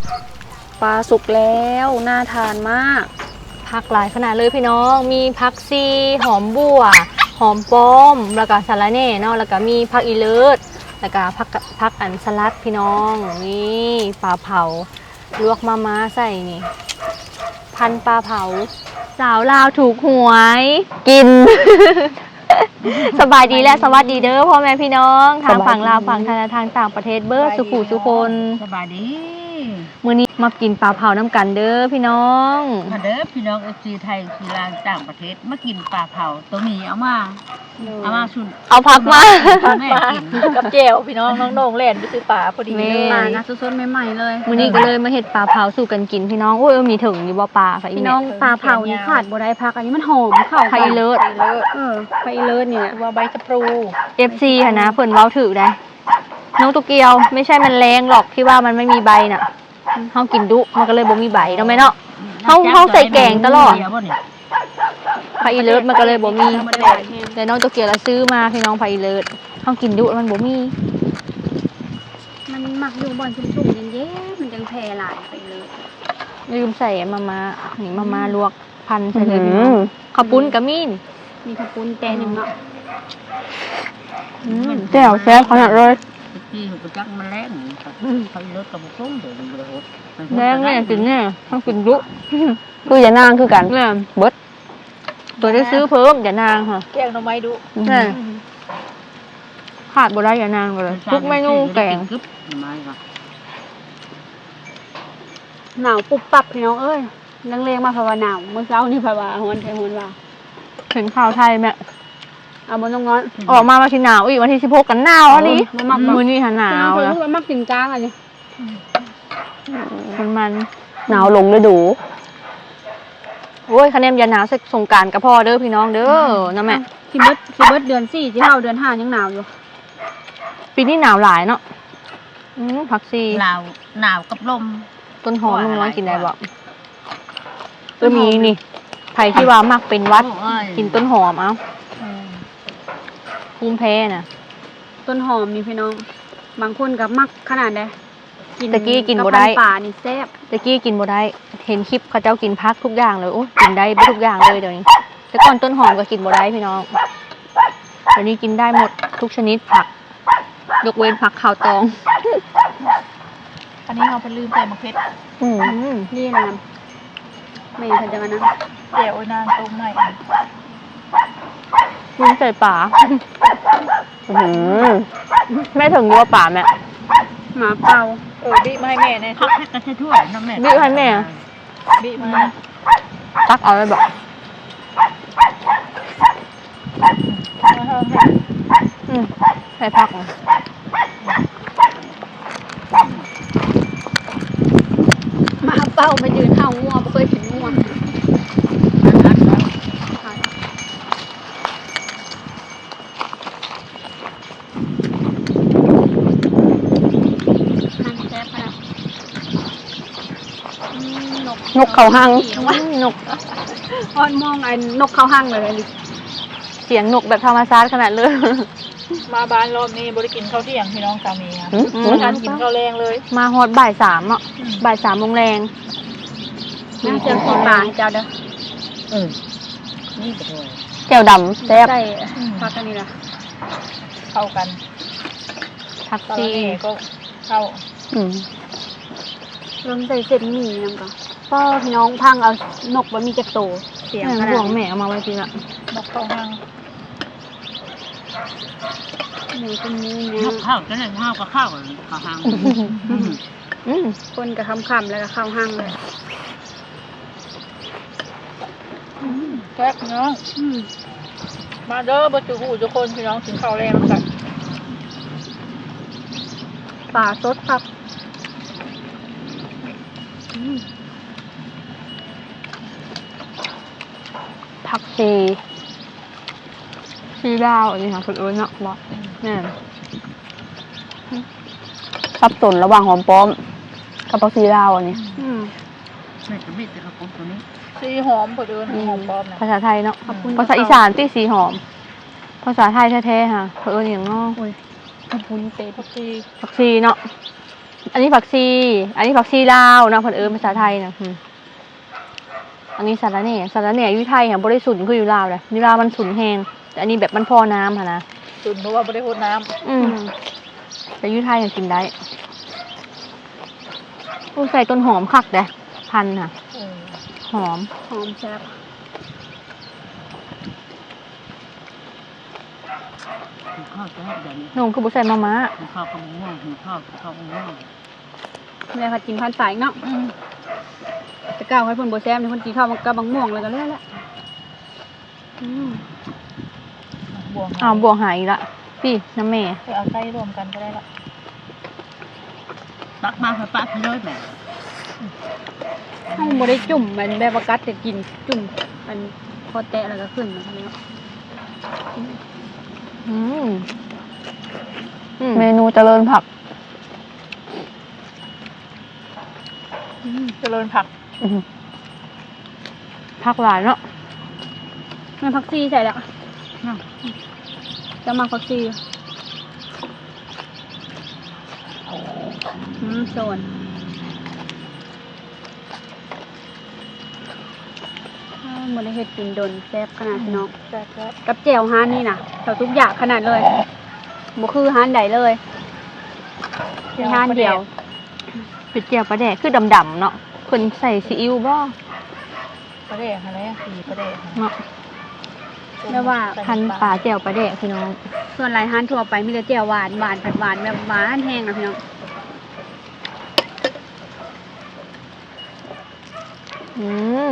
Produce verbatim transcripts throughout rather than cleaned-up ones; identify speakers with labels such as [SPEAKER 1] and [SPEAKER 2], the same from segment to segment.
[SPEAKER 1] ปลาสุกแล้วน่าทานมากผักหลายขนาดเลยพี่น้องมีผักซีหอมบัวหอมป้อมแล้วก็สาระแหน่เนาะแล้วก็มีผักอีเลิศแล้วก็ผักผักอันสลัดพี่น้องนี่ปลาเผาลวกมาม่าใส่นี่พันปลาเผาสาวลาวถูกหวยกิน สบายดีและสวัสดีเด้อพ่อแม่พี่น้องทางฝั่งลาวฝั่งทางทางต่างประเทศเบิร์สุขุสุคน
[SPEAKER 2] สบายดี
[SPEAKER 1] มื้อนี้มากินปลาเผาน้ำกันเด้อพี่น้อง
[SPEAKER 2] มาเด้อพี่น้องเอฟซีไทยคือลาวต่างประเทศมากินปลาเผาตัวนี้เอามาเอามาชุน
[SPEAKER 1] เอาพักมา
[SPEAKER 2] แม่กินกับเจลพี่น้องน้องโด่งเล่นไปซื้อปลาพอดีเลย
[SPEAKER 1] ปลานะสดๆใหม่ๆเลยมื้อนี้ก็เลยมาเฮ็ดปลาเผาสู่กันกินพี่น้องโอ้ยมีถึงอยู่บ่ปลาค่ะ
[SPEAKER 3] พี่น้องปลาเผานี่ขาดบ่ได้พักอันนี้มันหอมเข้า
[SPEAKER 1] ไผ่เลิศ
[SPEAKER 3] เออไผ่เลิศเนี่ย
[SPEAKER 2] ว่าใบชะพลู
[SPEAKER 1] เอฟ ซี ค่ะนะเพิ่นเว้าถูกได้น้องตุกเกียวไม่ใช่มันแรงหรอกที่ว่ามันไม่มีใบน่ะเฮากินดุมันก็เลยบ่มีใบเนาะแม่เนาะเฮาเฮาใส่แกงตลอดไผ่เลิศมันก็เลยบ่มีแต่น้องตุกเกียวละซื้อมาพี่น้องไผ่เลิศเฮากินดุมันบ่มี
[SPEAKER 3] มันมักอยู่บ่อนชุ่มๆเย็นๆมันจังแพร่หลายไปเลย
[SPEAKER 1] ลืมใส่มาม่านี่มาม่าลวกพันใส่เลยพี่น้องข้าวปุ้นก็มี
[SPEAKER 3] มีข้าวปุ้นแต่นึงเนาะ
[SPEAKER 1] แจ่วแซ่บขนาดเลย
[SPEAKER 2] ที่หัวจักมันแรงไผ่เลิศกับบุ้งเดี๋ยวมันจะหด
[SPEAKER 1] แรงเนี่ยกินเนี่ยต้องกินดุ
[SPEAKER 4] คืออย่านางคือกัน
[SPEAKER 1] เนี่ยเบิดตัวได้ซื้อเพิ่มอย่านางค่ะ
[SPEAKER 2] แกงหน่อไม้ดุ
[SPEAKER 1] นี่ขาดบ่ได้อย่านางเลยทุกเมนูแกง
[SPEAKER 3] หนาวปุ๊บปับพี่น้องเอ้ยนังเลงมาภาวนาเมื่อเช้านี่ภาวนาฮอนไทยฮอนว่า
[SPEAKER 1] เห็นข่าวไทยแม่
[SPEAKER 3] เอาบนน้องน้อย
[SPEAKER 1] ออกมาวันที่หนาวอีกวันที่สิบหกกันหนาวอันนี้มือนี่ค่ะหนาว
[SPEAKER 3] แล้วมันมักกินกลางอะไร
[SPEAKER 1] มันมัน
[SPEAKER 4] หนาวลงฤดู
[SPEAKER 1] โอ้ยคะแนนยาหนาวสงกรานต์กับพ่อเด้อพี่น้องเด้อนะแม่
[SPEAKER 3] ที่เบิดที่เบิดเดือนสี่ที่เข้าเดือนห้ายังหนาวอยู่
[SPEAKER 1] ปีนี้หนาวหลายเนาะผักซี
[SPEAKER 2] หนาวหนาวกับลม
[SPEAKER 1] ต้นหอมน้องกินได้บ่ก็มีนี่ไผ่ที่ว่ามักเป็นวัดกินต้นหอมเอาภูมิแพ้น่ะ
[SPEAKER 3] ต้นหอมมีพี่น้องบางคนกับมักขนาดใด
[SPEAKER 1] ตะกี้กินบ่ได้
[SPEAKER 3] ป่านี่แซ่บ
[SPEAKER 1] ตะกี้กินบ่ได้เห็นคลิปเขาเจ้ากินพักทุกอย่างเลยโอ้กินได้ทุกอย่างเลยเดี๋ยวนี้แต่ก่อนต้นหอมก็กินบ่ได้พี่น้องเดี๋ยวนี้กินได้หมดทุกชนิดผักยกเว้นผักขาวตอง
[SPEAKER 2] อันนี้เราไปลืมใส่มะเขือ
[SPEAKER 1] อืม
[SPEAKER 3] นี่นะไม่ทันจะมานะ
[SPEAKER 2] เดี๋ยวนานตรงไหน
[SPEAKER 1] ลืมใส่ป่าแม่ถึงวัวป่าแม่
[SPEAKER 3] หมาเป่า
[SPEAKER 2] เออบีมาให้แม่เนี่ยพักให้กระเทือนน้ำแม่
[SPEAKER 1] บีให้แม่
[SPEAKER 2] บีมา
[SPEAKER 1] ตักเอาไปบอกใส่ผัก
[SPEAKER 3] หมาเป่ามายืนเท้างัวไม่เคยเห็นงัว
[SPEAKER 4] นกเขาหัง
[SPEAKER 1] นก
[SPEAKER 3] อ้อนมองไอ้นกเขาหังเลย
[SPEAKER 1] เสียงนกแบบธรรมชาติขนาดเลย
[SPEAKER 2] มาบ้านรอบนี้บริกินข้าวเที่ยงพี่น้องสามีครับมาทานกินข้าวแรงเลย
[SPEAKER 1] มาฮอดบ่ายสามอ่ะบ่ายสามโมงแรง
[SPEAKER 3] น้ำเจียวปลาเจ้าเด้อ
[SPEAKER 2] เออนี่กระโดด
[SPEAKER 4] แก้วดำแซ่บ
[SPEAKER 3] ใช่พักกันนี่ละ
[SPEAKER 2] เข้ากัน
[SPEAKER 1] ผักซี
[SPEAKER 2] ก็เข้า
[SPEAKER 4] อืม
[SPEAKER 3] ลงใส่เสร็จหมี่น้ำก่อนพ่อพี่น้องพังเอานกว่ามีจักโต
[SPEAKER 1] เสียงขนาดห่วงแม่เอามาไว้จริงอะ
[SPEAKER 2] นกเขาพัง
[SPEAKER 3] หมูเป็นนี้
[SPEAKER 2] เนี่ยนกข้าวจะได้ข้าวกับข้าวกับพัง
[SPEAKER 3] คนกับคำคำแล้วก็ข้าวห้างเลย
[SPEAKER 2] แซ่บน้องมาเด้อบรรจุหูทุกคนพี่น้องกินข้าวแรงกัน
[SPEAKER 3] ป่าสดครับ
[SPEAKER 1] ผักชีชีดาวอันนี้ค่ะคุณเอิญเนาะบอสเนี่ย
[SPEAKER 4] สับสนระหว่างหอมป้อมกับผักชีลาวอันนี้
[SPEAKER 2] แม่จะไม่จะกระปุกตัวนี้สีหอมพอเดินหอมป้อม
[SPEAKER 1] ภาษาไทยเนาะภาษาอีสานที่สีหอมภาษาไทยแท้ๆค่ะคุณเอิญอย่างนอก
[SPEAKER 3] ขอบคุณเตะผักชี
[SPEAKER 1] ผักชีเนาะอันนี้ผักชีอันนี้ผักชีลาวนะเพิ่นเอิ้นภาษาไทยนะอืมอันนี้สาระแหน่สาระแหน่อยู่ไทยค่ะบ่ได้สุนคืออยู่ลาวเลยอยู่ลาวมันสุนแฮงแต่อันนี้แบบมันพอน้ำค่ะนะ
[SPEAKER 2] ตุนเพราะว่าไม่ได้โคตรน้
[SPEAKER 1] อืมแต่อยู่ไทยก็กินได้อู้ใส่ต้นหอมคักเด้พันธุ์ค่ะ
[SPEAKER 2] ำเออ
[SPEAKER 1] หอม
[SPEAKER 3] หอมแซ่บ
[SPEAKER 2] หิวข้าวจะให้เดี๋ยวนี้
[SPEAKER 1] นงคือบ่ใส่มะม้า
[SPEAKER 2] หิวข้าวกับมะม่วงหิวข้าวกับข้าวมะม่วง
[SPEAKER 3] แม่ค่ะกินพันสายเนาะจะก้าวให้เพิ่นบ่แซ่บนี่เพิ่นกินข้าวกับบางม่วงเลยก็เลยละอืม
[SPEAKER 2] บวง
[SPEAKER 1] อ้าวบวงหายอีกละพี่น้ำแม่
[SPEAKER 2] ไปเอาไส้รวมกันก็ได้ละตักมาค่ะป้าพี่น้อยแม่
[SPEAKER 3] เฮาบ่ได้จุ่มมันแบบว่ากัดแต่กินจุ่มมันพอแตะแล้วก็ขึ้นมาเนาะ
[SPEAKER 1] อืมอืม
[SPEAKER 4] เมนูเจริญผัก
[SPEAKER 2] เจริญผัก
[SPEAKER 1] อืมผักหลายเนาะ
[SPEAKER 3] แม่ผักชีใส่แล้วจะมาผักชีอืมโซนอ้าวบ่ได้เฮ็ดกินดนแซ่บขนาดพี่น้อง
[SPEAKER 2] แซ่บแซ่บ
[SPEAKER 3] กับแจ่วฮานนี่นะเราทุกอย่างขนาดเลยบ่คือฮานใดเลยมีฮานเดียว
[SPEAKER 1] เป็ดเจียวปลาแดกคือดำๆเนาะเพิ่นใส่ซีอิ๊วบ่
[SPEAKER 2] ปลาแดกอะไรอ่ะสีปลาแดก
[SPEAKER 1] เนาะ
[SPEAKER 3] แม่ว่า
[SPEAKER 1] พันปลาแจ่วปลาแดกพี่น้อง
[SPEAKER 3] ส่วนหลายฮานทั่วไปมีแต่แจ่วหวานหวานผัดหวานแบบหวานแห้งนะพี่น้อง
[SPEAKER 1] อืม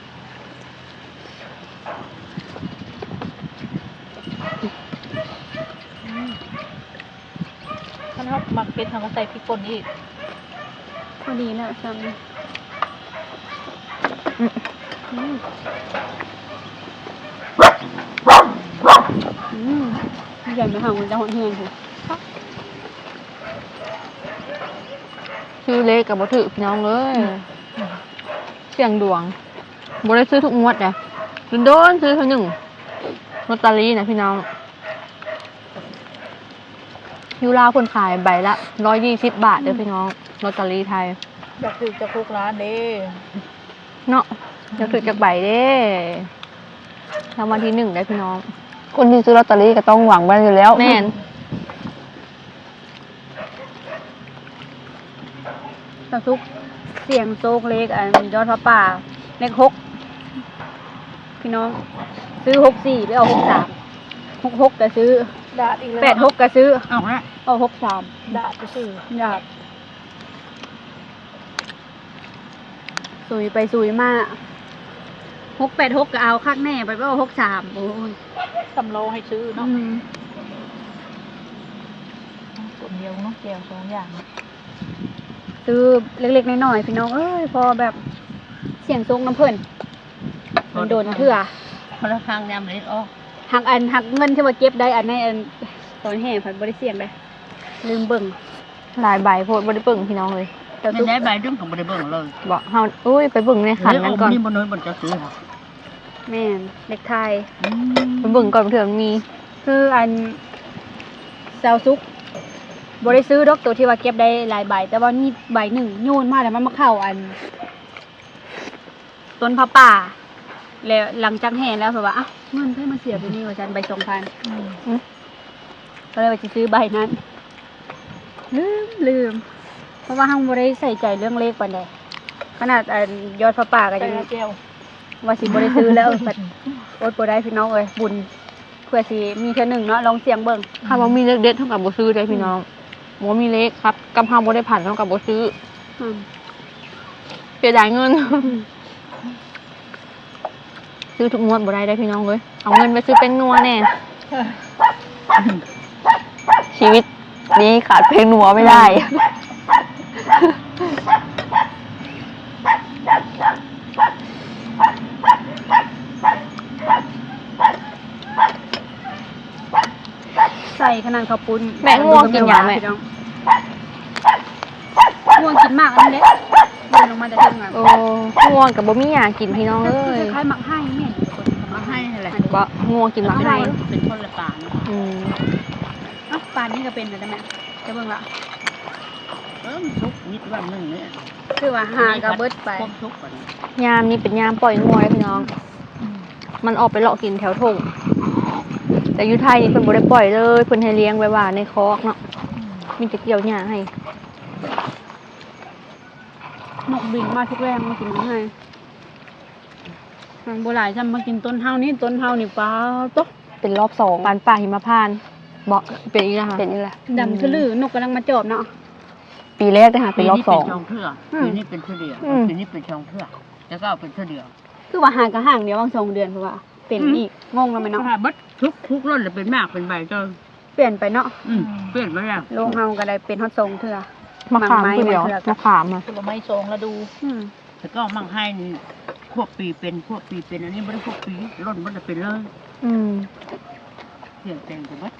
[SPEAKER 2] ท่านเขาหมักเป็ดทางก็ใส่พริกป่นอีก
[SPEAKER 3] พอดีแล้วซ้ำอืมอืมใหญ่ไหมคะมันจะหอนเฮือนคือ
[SPEAKER 1] ชื่อเล็กกับบ่ถือพี่น้องเอ้ยเสียงดวงบ่ได้ซื้อทุกงวดเด้โดนๆซื้อเท่านึงลอตเตอรี่นะพี่น้องอยู่ลาวคนขายใบละหนึ่งร้อยยี่สิบบาทเด้อพี่น้องลอตเตอรี่ไทย
[SPEAKER 2] อยากถือจะคุกร้านเด้
[SPEAKER 1] เนาะจะถือจากใบเด้รางวัลที่หนึ่งได้พี่น้อง
[SPEAKER 4] คนที่ซื้อลอตเตอรี่ก็ต้องหวังบ้านอยู่แล้ว
[SPEAKER 1] แม่น
[SPEAKER 3] ตะซุกเสียงโซกเล็กอันยอดพระป่าเลขหกพี่น้อง ซื้อหกสี่ไปเอาหกสามหกหกก็ซื้อ
[SPEAKER 2] ดาดอีกแล้ว
[SPEAKER 3] แปดหกก็ซื้อ
[SPEAKER 2] เอาฮะ
[SPEAKER 3] เอาหกสาม
[SPEAKER 2] ดาดไปซื้อ
[SPEAKER 3] อยากสุยไปสุยมาหกแปดหกก็เอาคักแน่ไปเอาหกสามโอ้ย
[SPEAKER 2] สำโลให้ซื้อเนาะ
[SPEAKER 3] อืม
[SPEAKER 2] ตัวเดียวเนาะเดียวสองอย่าง
[SPEAKER 3] ซื้อเล็กๆน้อยๆพี่น้องเอ้ยพอแบบเสียงทรงน้ำเพิ่นมันโดนเถื่อ
[SPEAKER 2] คนละทางยามเล็ดออก
[SPEAKER 3] หักอันหักเงินที่ว่าเก็บได้อันในอันตอนแห่ผัดบริเสียงเลยลืมเบิ่ง
[SPEAKER 1] หลายใบโพดบ่ได้เบิ่งพี่น้องเลย
[SPEAKER 3] แต่
[SPEAKER 2] ไม่
[SPEAKER 3] ทุก
[SPEAKER 2] ได้ใบดึงของบริเบิ้งเลย
[SPEAKER 1] บอกเฮาอุ้ยไปเบิ่งในขันนั้นก่อน
[SPEAKER 2] นี่บนน้อยบนจะซื้อค่ะ
[SPEAKER 3] แม่นเล็กไทย
[SPEAKER 1] ไปเบิ่งก่อนเผื่อมันมี
[SPEAKER 3] คืออันเซาซุกบริซื้อดอกตัวที่ว่าเก็บได้หลายใบ แต่ว่านี่ใบหนึ่งโยนมาแล้วมันมาเข้าอัน ต้นผ้าป่า แล้วหลังจากแห่แล้วแบบว่าอ่ะเงินเพื่อมาเสียไปนี่ว่าฉันใบสองพันก็เลยไปซื้อใบนั้น ลืมลืม เพราะว่าห้างบริใส่ใจเรื่องเลขปานใดขนาดอันยอดผ้าป่าก็
[SPEAKER 2] แต่
[SPEAKER 3] ยัง
[SPEAKER 2] เจียว
[SPEAKER 3] ว่าสิบริซื้อแล้วบัดอดบ่ได้พี่น้องเอ้ยบุญเพื่อสิมีเท่าหนึ่งเนาะลองเสียงเบิ่ง
[SPEAKER 1] ถ้าบ่มีเลขเด็ดเท่ากับบ่ซื้อได้พี่น้องบ่มีเลขครับกำเฮาบ่ได้ผ่านเท่ากับบ่ซื้อ
[SPEAKER 3] อืม
[SPEAKER 1] เสียดายเงิน ซื้อทุกงวดบ่ได้ได้พี่น้องเอ้ยเอาเงินไปซื้อเป็นนัวแน่
[SPEAKER 4] ชีวิตนี้ขาดเพลงหนัวไม่ได้
[SPEAKER 3] ใส่ขนาดข้าวปุ้น
[SPEAKER 1] แม่ง่วงกินหยังแม่
[SPEAKER 3] พี่น้องง่วงกินมากอันนี้แหละเดินลงมาแต่เทิงอ่ะ
[SPEAKER 1] โอ้ง่วงกับบ่มีหยังกินพี่น้องเอ้ย
[SPEAKER 3] คล้ายๆหมักให้แม่นคน
[SPEAKER 2] มาให้อะไร
[SPEAKER 1] บ่ง่วงกินหมักไทย
[SPEAKER 2] เป็นคนละป่าน
[SPEAKER 1] อืม
[SPEAKER 3] อ่ะปานนี้ก็เป็นแต่แม่จะเบิ่งละ
[SPEAKER 2] เอออมันทุกนิดวันหนึ่งเนี่ย
[SPEAKER 3] คือว่าหากระเบิดไป
[SPEAKER 2] ความทุกข์ก่อน
[SPEAKER 1] ยามนี้เป็นยามปล่อยงัวเลยพี่น้อง มันออกไปเลาะกินแถวทงแต่อยุไทยนี่เพิ่นบ่ได้ปล่อยเลยเพิ่นให้เลี้ยงไว้ว่าในคอกเนาะมีแต่เกี่ยวหญ้าให้
[SPEAKER 3] นกบินมาทุกแรงมากินน้ำให้โบราณจำมากินต้นเฮานี่ต้นเฮานี่ปลาต๊ะ
[SPEAKER 4] เป็นรอบสอง
[SPEAKER 1] ปานป่าหิมพานต์บ่เป็นอีกแล้วค่ะ
[SPEAKER 4] เป็นนี่แหละ
[SPEAKER 3] ดำคือลือนกกำลังมาจอบเนาะ
[SPEAKER 4] ปีแรกนะคะเป็นรอบสอง
[SPEAKER 2] ปีนี้เป็นช่องเทื่อปีนี้เป็นเทื่อเดียวปีนี้เป็นช่องเทื่อแล้วก็เอาเป็นเทื่อเดียว
[SPEAKER 3] คือว่าห่างกับห่างเดียวบางสองเดือนเพราะว่าเป็นอีกงงแล้วไหม
[SPEAKER 2] เนาะ
[SPEAKER 3] เนาะ
[SPEAKER 2] บัดทุกทุกรุ่นเลยเป็นมากเป็นใบจน
[SPEAKER 3] เปลี่ยนไปเนาะ
[SPEAKER 2] อืมเปลี่ยนไปแล้ว
[SPEAKER 3] โลกเฮาก็ได้เป็นฮอตทรงเถื่อ
[SPEAKER 1] มะขาม
[SPEAKER 3] ไม้
[SPEAKER 1] คือเดียว
[SPEAKER 3] มันเถื่อ
[SPEAKER 1] มะขามอ่ะ
[SPEAKER 2] ผลไม้ทรงแล้วดู
[SPEAKER 3] อืม
[SPEAKER 2] แต่ก็มั่งให้นี่พวกปีเป็นพวกปีเป็นอันนี้ไม่ได้พวกปีร่นมันจะเป็นเลย
[SPEAKER 1] อืม
[SPEAKER 2] เปลี่ยนแปลงไปบัด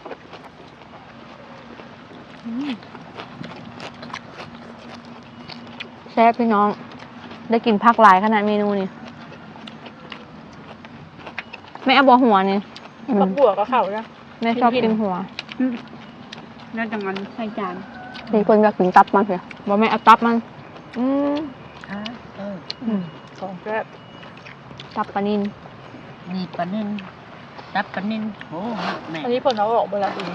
[SPEAKER 1] แซ่บพี่น้อง ได้กินผักหลายขนาดเมนูนี่แม่เอาบ่หัวนี่
[SPEAKER 2] ผักบัวก็เข้านะ
[SPEAKER 1] แม่ชอบกินหัว
[SPEAKER 3] อืมแล้วจังมันใส่จาน
[SPEAKER 4] มีคนอยากกินตับมันเถอะ
[SPEAKER 1] บ่แม่เอาตับมัน อืม
[SPEAKER 2] อ่าเออ
[SPEAKER 1] อืม
[SPEAKER 2] ของแซ่บ
[SPEAKER 1] ตับปลานิล
[SPEAKER 2] มีปลานิ่นตับปลานิ่นโอ้แม่
[SPEAKER 5] อันนี้ผลเอาออกเวลาดี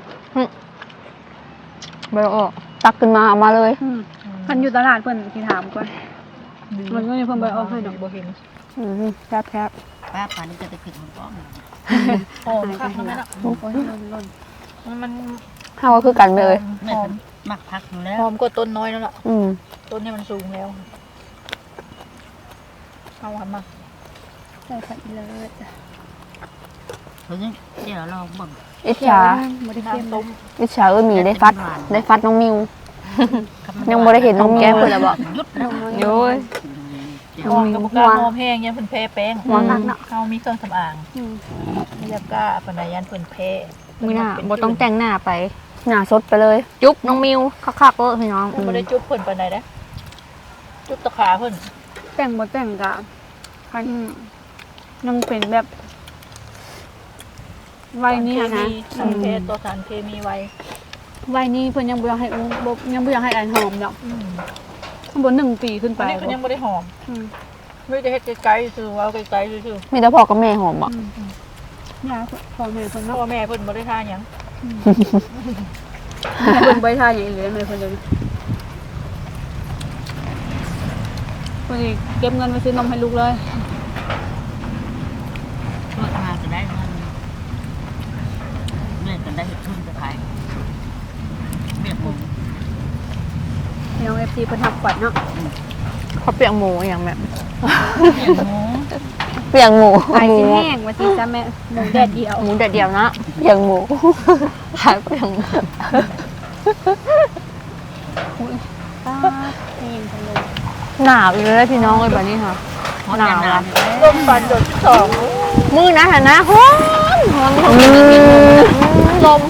[SPEAKER 1] บ่ได้ออก
[SPEAKER 4] ตักขึ้นมาเอามาเลย
[SPEAKER 3] อืมเพิ่นอยู่ตลาดเพิ่นสิถามก่อนมันก็ยังเพิ่นไปเอาให้ดอก
[SPEAKER 5] บ่เห็น
[SPEAKER 4] อืมแซ่บแซ่บ
[SPEAKER 2] ป้าปลานี่จะไปขึ้นของป้อม
[SPEAKER 5] หอมค่ะมันอ่ะ
[SPEAKER 3] โอ้ยล้นล้น
[SPEAKER 5] มันมัน
[SPEAKER 4] เฮาก็คือกันไปเลย
[SPEAKER 2] แม่
[SPEAKER 5] หอม
[SPEAKER 2] มักพักอยู่แล้ว
[SPEAKER 5] หอมกว่าต้นน้อยนั่นแหละ
[SPEAKER 4] อืม
[SPEAKER 5] ต้นนี้มันสูงแล้วเอาหวานมา
[SPEAKER 3] ใส่ผักอีเลิศ
[SPEAKER 2] เฮ้ยเดี๋ยวเราเบิ่ง
[SPEAKER 4] อิจฉา
[SPEAKER 3] บ่ได้เค็ม
[SPEAKER 5] น้ำต้ม
[SPEAKER 4] อิจฉาเออหมีได้ฟัด ได้ฟัดน้องมิว ยังบ่ได้เห็นน้องแก้มเพิ่นแล้วบ่
[SPEAKER 2] ยุดแล้ว
[SPEAKER 1] โย้ย
[SPEAKER 5] หอมกับบุกกาหอมแห้งเนี่ยเพิ่นแพ้แป้ง
[SPEAKER 3] หัวนักเนาะ
[SPEAKER 5] เขามีเครื่องสำอาง
[SPEAKER 3] อืม
[SPEAKER 5] ไม่อยากกล้าปนายยันเพิ่นแพ้
[SPEAKER 1] มื้อหน้าบ่ต้องแต่งหน้าไป
[SPEAKER 4] หน้าสดไปเลย
[SPEAKER 1] จุ๊บน้องมิวคักๆเด้อพี่น้อง
[SPEAKER 5] มันไม่ได้จุ๊บเพิ่นปานใดนะจุ๊บตะขาเพิ่น
[SPEAKER 3] แต่งบ่แต่งกะคันยังเป็นแบบวัยนี้อะนะ
[SPEAKER 5] สารเคมีสารเพศตัวสารเคมีไว้
[SPEAKER 3] วัยนี้เพิ่นยังบ่อยากให้อุ้มบ่ยังบ่อยากให้อันหอมดอก
[SPEAKER 5] อืม
[SPEAKER 3] ข้างบนหนึ่งปีขึ้นไป
[SPEAKER 5] อันนี้ก็ยังไม่ได้หอม
[SPEAKER 3] อืม
[SPEAKER 5] ไม่ได้เฮ็ดไกลๆคือเอาไกลๆคือ
[SPEAKER 4] มีแต่พ่อกับแม่หอมบ่
[SPEAKER 3] ยาพ่อแม่เพิ่น
[SPEAKER 5] พ่
[SPEAKER 3] เนาะ
[SPEAKER 5] อแม่เพิ่นบ่ได้ทานหยัง
[SPEAKER 3] แม่เพิ่นบ่ได้ทานอย่างอื่นเลยแม่เพิ่นเลยเพิ่นสิเก็บเงินไว้ซื้อนมให้ลูกเลย
[SPEAKER 2] ช่วยมาจะได้เงินแม่จะได้เห็ดทุนจะขายเรียกผม
[SPEAKER 3] พี่น้อง เอฟ ซี เพิ่นทับขวัญเนาะ
[SPEAKER 1] เขาเปียกหมูอย่างแบบ
[SPEAKER 2] เรียกหมู
[SPEAKER 4] เปียงหมู
[SPEAKER 3] ขาย
[SPEAKER 4] หมู
[SPEAKER 3] สิแห้งว่าสิจ้าแม่หมูแดดเดียว
[SPEAKER 1] หมูแดดเดียวนะ
[SPEAKER 4] เปียงหมู
[SPEAKER 1] ขายเปียกหมู
[SPEAKER 3] ป้าแห้งจังเลย
[SPEAKER 1] หนาวอีกแล้วพี่น้องเอ้ยบัดนี้ค่ะ หนาวละ
[SPEAKER 5] ต้มฟันโดดสอง
[SPEAKER 1] มือนะหันนะฮ้อนฮ้อนฮ้อนลม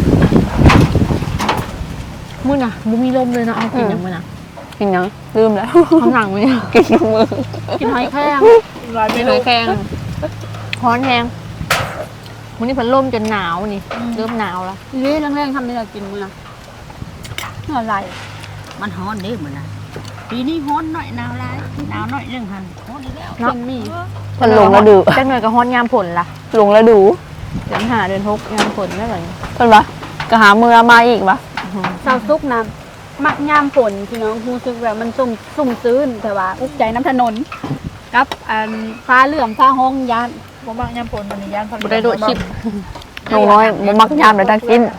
[SPEAKER 1] มือน่ะบุมีลมเลยนะเอากินอย่างมือน่ะ
[SPEAKER 4] กินยังลืมแล้ว
[SPEAKER 1] เอาหนังมือ
[SPEAKER 4] กินน้ำมือ
[SPEAKER 3] กินหอยแครง
[SPEAKER 5] ลายเม
[SPEAKER 1] กิน
[SPEAKER 5] นู
[SPEAKER 1] หอยแครงฮ้อนแหงวันนี้เพันลมจนหนาวนี่เริ่มหนาวละ
[SPEAKER 3] เลี้ยงแรงๆทำนี่ล่ะกินมื้อน่ะเมื่อไหร่
[SPEAKER 2] มันฮ้อนเด้เหมือนนะปีนี้ฮ้อนหน่อยหนาวหลายหนาวหน่อยเรื่องหันฮ้อนอีกแล้ว
[SPEAKER 3] เป็นมี
[SPEAKER 4] มันลงแล้วดู
[SPEAKER 1] จังหน่อยกับฮ้อนยามผลล่ะ
[SPEAKER 4] ลงแล้วดู
[SPEAKER 1] เดือนหาเดือนหกยามผลไม่เหมือน
[SPEAKER 4] เพิ่นปะก็หามือมาอีกปะ
[SPEAKER 3] เศร้าซุกน้ำมักยามฝนพี่น้องรู้สึกแบบมันสุ่มสุ่มซื่นแต่ว่าอุกใจน้ำถนนกับอันฟ้าเหลื่อมฟ้าห้องยาน
[SPEAKER 5] บ่มักยำผลมันนี่ย่านพัน
[SPEAKER 1] บุได้โดดชิป
[SPEAKER 4] น้องน้อยบ่มักยามเลยตั้งกิน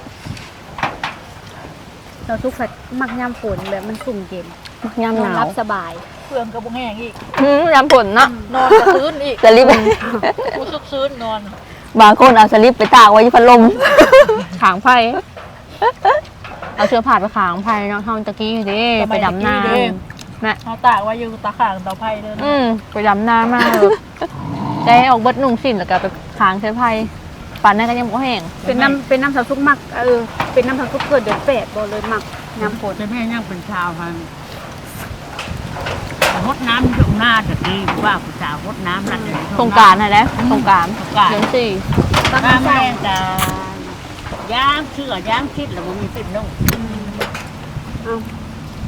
[SPEAKER 3] เราซุกแบบมักยามฝนแบบมันสุ่มเย็น
[SPEAKER 4] มักยาม
[SPEAKER 3] น
[SPEAKER 4] ห
[SPEAKER 3] อน
[SPEAKER 4] นา
[SPEAKER 3] รั
[SPEAKER 4] ว
[SPEAKER 3] บสบาย
[SPEAKER 5] เพื่อนก็บ่แห้งอีก
[SPEAKER 1] หืมยามผลเนาะ
[SPEAKER 5] นอนก็ซื้นอีก
[SPEAKER 4] สลิป
[SPEAKER 5] กูซึกซื้นนอน
[SPEAKER 4] บางคนเอาสลิปไปตากไว้ที่พัดลม
[SPEAKER 1] ขางไผ่เอาเสื้อผ้าไปขางไผ่เนาะเฮาตะกี้อยู่เดิไปดำนาแม่
[SPEAKER 5] เอาตากไว้อยู่ตาข้างเตาไผ่เด้อ
[SPEAKER 1] อืมไปดำนามากเลยได้ออกเบิดนุ่งสิ้นแล้วก็ไปขางเสื้อไผ่ปั่นนั่นก็ยังบ่แห้ง
[SPEAKER 3] เป็นน้ำเป็นน้ำสาวซุกมักเออเป็นน้ำสาวซุกเกิดเดือนแปดบ่เลยมักยามฝน
[SPEAKER 2] แต่แม่ยังเป็นชาวพันฮดน้ำอยู่หน้าตะกี้ว่าผู้สาวฮดน้ำนั่น
[SPEAKER 1] สงกรานต์นะแล้วสงกรานต์
[SPEAKER 2] สงกรานต์
[SPEAKER 1] เดือนสี่
[SPEAKER 3] ตั้ง
[SPEAKER 2] น้ำ
[SPEAKER 3] แต่
[SPEAKER 2] แม่จะย่างเชื่อย่างคิดแล้วมันมีสิบนุ่ง
[SPEAKER 3] เอา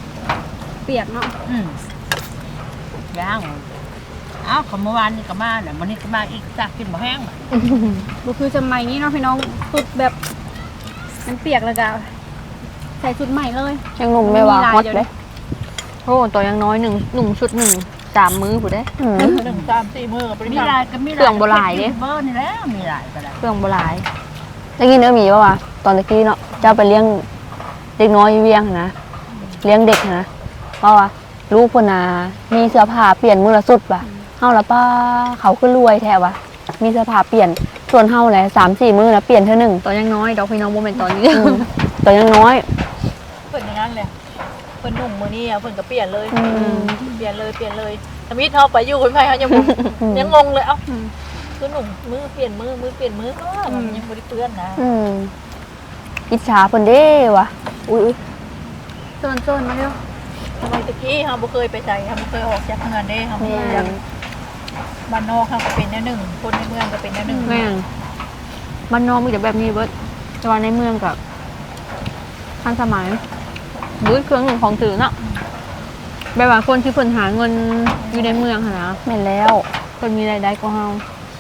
[SPEAKER 3] ปียกเนาะ
[SPEAKER 5] อืมย่างอ้าวของเมื่อวานนี่ก็มาเนี่ยวันนี้ก็มาอีกจากกินบ่แห้งบ่
[SPEAKER 3] บ่คือสมัยนี้เนาะพี่น้องสุดแบบมันเปียกแล้วก็ใส่ชุดใหม่เลย
[SPEAKER 4] ยังหนุ่มไม่ว่าฮอตเลย
[SPEAKER 1] โอ้ตัวยังน้อยหนึ่งหนุ่มชุดหนึ่งสามมื้อผู้ได้
[SPEAKER 4] อืม
[SPEAKER 2] หนึ่งสามสี่มือกับปริ
[SPEAKER 5] มี
[SPEAKER 2] มาณ
[SPEAKER 5] หลายก็มี
[SPEAKER 1] เครื่องโบราณเด้
[SPEAKER 5] เบอร์นี่แหล้วมีหลายก็ได้
[SPEAKER 1] เครื่องโบราณ
[SPEAKER 4] ได้ยินเออหมีป่าวะตอนตะกี้เนาะเจ้าไปเลี้ยงเด็กน้อยอยู่เวียงนะเลี้ยงเด็กนะเพราะว่าลูกพนามีเสื้อผ้าเปลี่ยนมือละสุดป่ะเฮาละป้าเขาขึ้นรวยแท้วะมีเสื้อผ้าเปลี่ยนส่วนเฮาแหละสามสี่มือนะเปลี่ยนเท่าหนึ่ง
[SPEAKER 1] ตัวยังน้อยดอกพี่น้องโมเมนต์ตอนนี้
[SPEAKER 4] อืมแต่ยังน้อย
[SPEAKER 2] เพิ่นอย่างนั้นเลยเพิ่นหนุ่มมือนี่อ่ะเพิ่นก็เปลี่ยนเลย
[SPEAKER 4] อืม
[SPEAKER 2] เปลี่ยนเลยเปลี่ยนเลยทมิตเขาไปอยู่คนไทยเขายังงง
[SPEAKER 4] อืม
[SPEAKER 2] ยังงงเลยเอ้าคือหนุ่มมือเปลี่ยนมือมือเปลี่ยนมือก็มันยังไม่ได้เปื้อนนะ
[SPEAKER 4] อืมอิจฉาเพิ่นเด้วะอุ้ยอุ๊ย
[SPEAKER 3] โซนๆมาเร็ว
[SPEAKER 2] ทำไมตะกี้เขาบ่เคยไปใส่เขาบ่เคยออกจากเมืองเด้เขาบ่
[SPEAKER 4] แม่
[SPEAKER 2] เคยจากบ้านนอกเขาก็เป็นแนวหนึ่งคนในเมืองก็เป็นแนวหนึ่ง
[SPEAKER 1] แม่งบ้านนอกมีแต่แบบนี้เบิดแต่ว่าในเมืองกับทันสมัยบุ้ยเครื่องหนึ่งของถือเนาะแบบว่าคนที่เพิ่นหาเงินอยู่ในเมืองหั้นนะ
[SPEAKER 4] แม่นแล้ว
[SPEAKER 1] เพิ่นมีรายได้ก็เฮา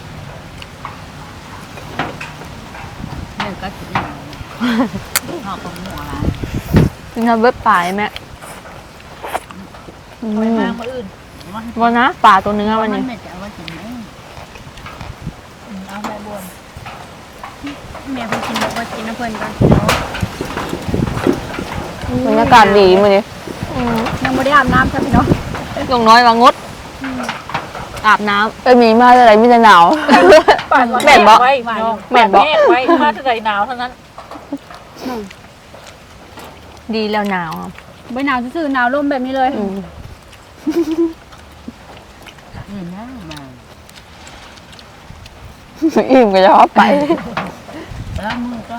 [SPEAKER 5] เรื่องก็สิหอกของหมูอะไร
[SPEAKER 1] ถึงทำเว็บป่ายแม่
[SPEAKER 4] อื
[SPEAKER 2] ไป
[SPEAKER 4] ม
[SPEAKER 2] มากมาอื่น
[SPEAKER 1] วันนะป่าตัวเนื้อวันนี้
[SPEAKER 5] ไม่จะเอาไว้กินไหม
[SPEAKER 2] อืมเอาแม่บวน
[SPEAKER 3] แม่เพิ่นกินแล้วก็กินน้ำเพิ่นก่อน
[SPEAKER 4] บรรยากาศดีมื้อนี้
[SPEAKER 1] อืม
[SPEAKER 3] ยังบ่ได้อาบน้ำจ้ะพี่น้อง
[SPEAKER 1] อย่างน้อยว่างดอาบน้ำ
[SPEAKER 4] เอ้ยหมีมาแต่ไหนมีแต่หนาว
[SPEAKER 2] ป่านวัน
[SPEAKER 1] แม่นบ่
[SPEAKER 2] ไว้พี่น้อง
[SPEAKER 1] แม่นบ่
[SPEAKER 2] ป่าไว้มาที่ใดหนาวเท่านั้น
[SPEAKER 1] ดีแล้วหนาว
[SPEAKER 3] บ่หนาวซื่อๆหนาวลมแบบนี้เลย
[SPEAKER 4] อืม
[SPEAKER 5] อืมนะมา
[SPEAKER 4] อิ่มก็จะฮอไป
[SPEAKER 5] แล้วมือก่อน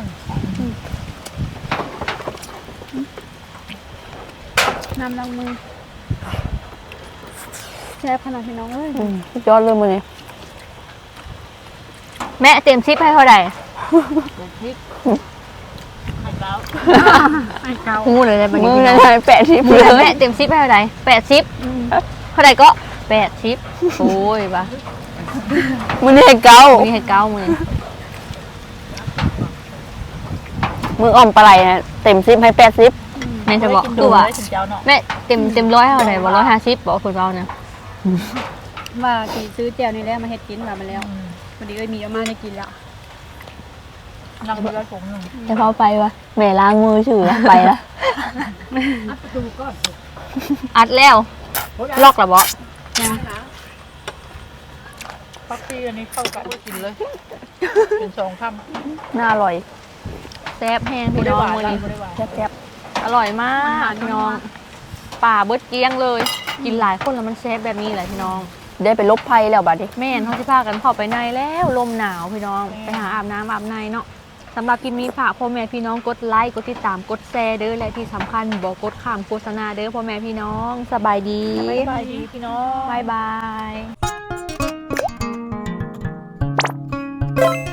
[SPEAKER 3] น้ำล้างมือแช่บขนาดพี่น้องเอ้ย
[SPEAKER 4] อืมสุดยอดเลยมื้อนี้
[SPEAKER 1] แม่เต็มซิปให้เท่าไหร่
[SPEAKER 2] ไข่เล้า
[SPEAKER 3] ไอ้เก่า
[SPEAKER 1] พูดเลยได้ปะ
[SPEAKER 4] มื
[SPEAKER 1] เนี่
[SPEAKER 4] อย นั้นแปะที่
[SPEAKER 1] มื
[SPEAKER 4] พื้
[SPEAKER 1] อน แม่เต็มซิปให้เท่าไหร่แปดซิปเท่าไหร่ก็แปดซิปโอ้ยปะ
[SPEAKER 4] มื้อนี้ให้เก้า
[SPEAKER 1] มีให้เก้าหมื่น
[SPEAKER 4] มืออ่อมปลาไหลนะเต็มสิบให้แปดสิบ
[SPEAKER 1] แม่จะบอก
[SPEAKER 2] ดู
[SPEAKER 1] คือว่า
[SPEAKER 2] ถึงเจ้าเนาะ
[SPEAKER 1] แม่เต็มเต็มร้อยเท่าไหร่บอกร้อยห้าสิบบอกคุณเราเนี่ย
[SPEAKER 3] ว่าสิซื้อแจ่วนี่แหละมาเฮ็ดกินว่ามาแล้วพอดีเอ้ยมีเอามาได้กินแล้ว
[SPEAKER 2] นั่งเรือผมหนึ่ง
[SPEAKER 4] จะเข้าไปวะแม่ล้างมือชื่อไปละ
[SPEAKER 1] อัดแล้วลอกหรอบอ
[SPEAKER 2] ปักซี่อันนี้เข้ากันกินเลยเป็นสองคำ
[SPEAKER 4] น่าอร่อย
[SPEAKER 1] แซ่บแห้ง
[SPEAKER 2] ไม่
[SPEAKER 1] พี่
[SPEAKER 2] ได้
[SPEAKER 1] น้อ
[SPEAKER 2] ห
[SPEAKER 1] ง
[SPEAKER 2] วาน
[SPEAKER 1] มือนี้
[SPEAKER 2] ไม่ได้หวาน
[SPEAKER 4] แซ่บ
[SPEAKER 1] อร่อยมากพี่น้องป่าเบิดเกลี้ยงเลย กินหลายคนแล้วมันแซ่บแบบนี้แหละพี่น้อง
[SPEAKER 4] ๆได้ไปลบภัยแล้วบัดนี้
[SPEAKER 1] แม่นเขาที่พากันเข้าไปในแล้วลมหนาวพี่น้องไปหาอาบน้ำอาบในเนาะสำหรับคลิปนี้ฝากพ่อแม่พี่น้องกดไลค์กดติดตามกดแชร์เด้อและที่สำคัญบอกกดข้ามโฆษณาเด้อพ่อแม่พี่น้องสบายดี
[SPEAKER 2] สบายดีพี่น้อง
[SPEAKER 1] บายบาย